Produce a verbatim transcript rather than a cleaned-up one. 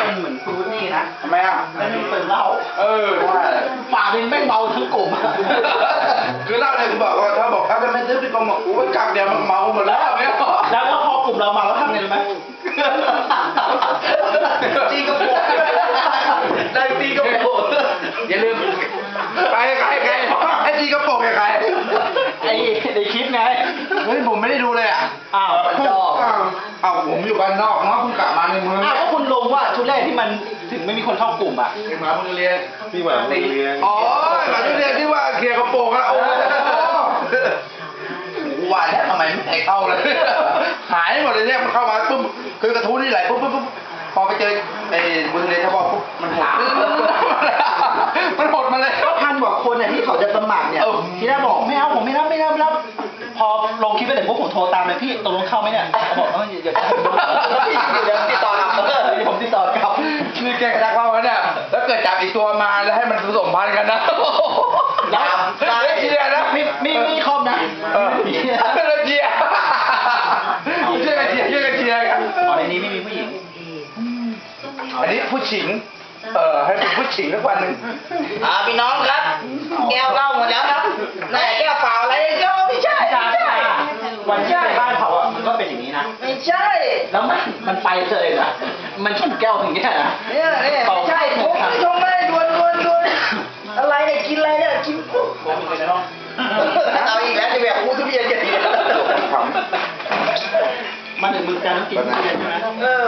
เป็นเหมือนฟรุตนี่นะทำไมอ่ะแล้วนี่เป็นเหล้าเออว่าฝ่าเป็นแม่งเมาทั้งกลุ่มคือเล่าเลยคือบอกว่าถ้าบอกเขาจะไม่ซื้อพี่กองบอกโอ้ยกักเดียวมันเมาหมดแล้วเนี่ยแล้วแล้วพอกลุ่มเราเมาแล้วทำไงรู้ไหมตีกระโปงได้ตีกระโปงอย่าลืมใครใครใครไอ้จีกระโปรงใครไอ้ในคลิปไงเฮ้ยผมไม่ได้ดูเลยอ่ะอ้าวมันจอกอ้าวผมอยู่บ้านนอกเนาะเพิ่งกลับมาในเมืองอ้าวก็คุณลงว่าชุดแรกที่มันถึงไม่มีคนเข้ากลุ่มอ่ะหมาเพิ่งเรียนพี่หมาเรียนอ๋อหมาเพิ่งเรียนที่ว่าเคลียร์กระโปรงแล้วโอ้โหว่าแล้วทำไมไม่ให้เข้าเลยหายหมดเลยเนี่ยมันเข้ามาปุ๊บคือกระทู้นี่ไหลปุ๊บปุ๊บปุ๊บพอไปเจอไอ้บุญเรียนชาวบ้านปุ๊บมันหดมันหดมาเลยก็พันกว่าคนอ่ะที่เขาจะสมัครเนี่ยเออที่แรกบอกไม่เอาผมไม่รับไม่รับไม่รับพอลงคลิปไปเสร็จพวกผมโทรตามเลยพี่ตกลงเข้าไหมเนี่ยเขาบอกเอออย่าอย่าเดี๋ยวติดต่อกลับเออเดี๋ยวผมติดต่อกลับนี่แกกระดักเราแล้วเนี่ยแล้วเกิดจับอีกตัวมาแล้วให้มันผสมพันธุ์กันนะแล้วไม่เชียร์นะมีมีมีคอมนะเออเชียร์เชียร์เชียร์กันเชียร์เชียร์กันเชียร์กันอ๋อในนี้ไม่มีผู้หญิงอันนี้ผู้ชิงเออให้เป็นผู้ชิงสักวันหนึ่งอ่าพี่น้องครับแก้วเหล้าหมดแล้วครับไหนแก้วเปล่าอะไรแก้วไม่ใช่จ้าไม่ใช่วันที่ไปบ้านเขาอ่ะมันก็เป็นอย่างนี้นะไม่ใช่แล้วมันมันไปเลยนะมันชนแก้วถึงเนี้ยนะเนี่ยเนี่ยไม่ใช่ผมไม่ชงไม่ดวนดวนดวนอะไรเนี่ยกินอะไรเนี่ยกินปุ๊บผมมีในห้องเอาอีกแล้วจะแบบอู้ทุเรียนกันอีกแล้วขำมาถึงมือการต้องกินทุเรียนใช่ไหมเออ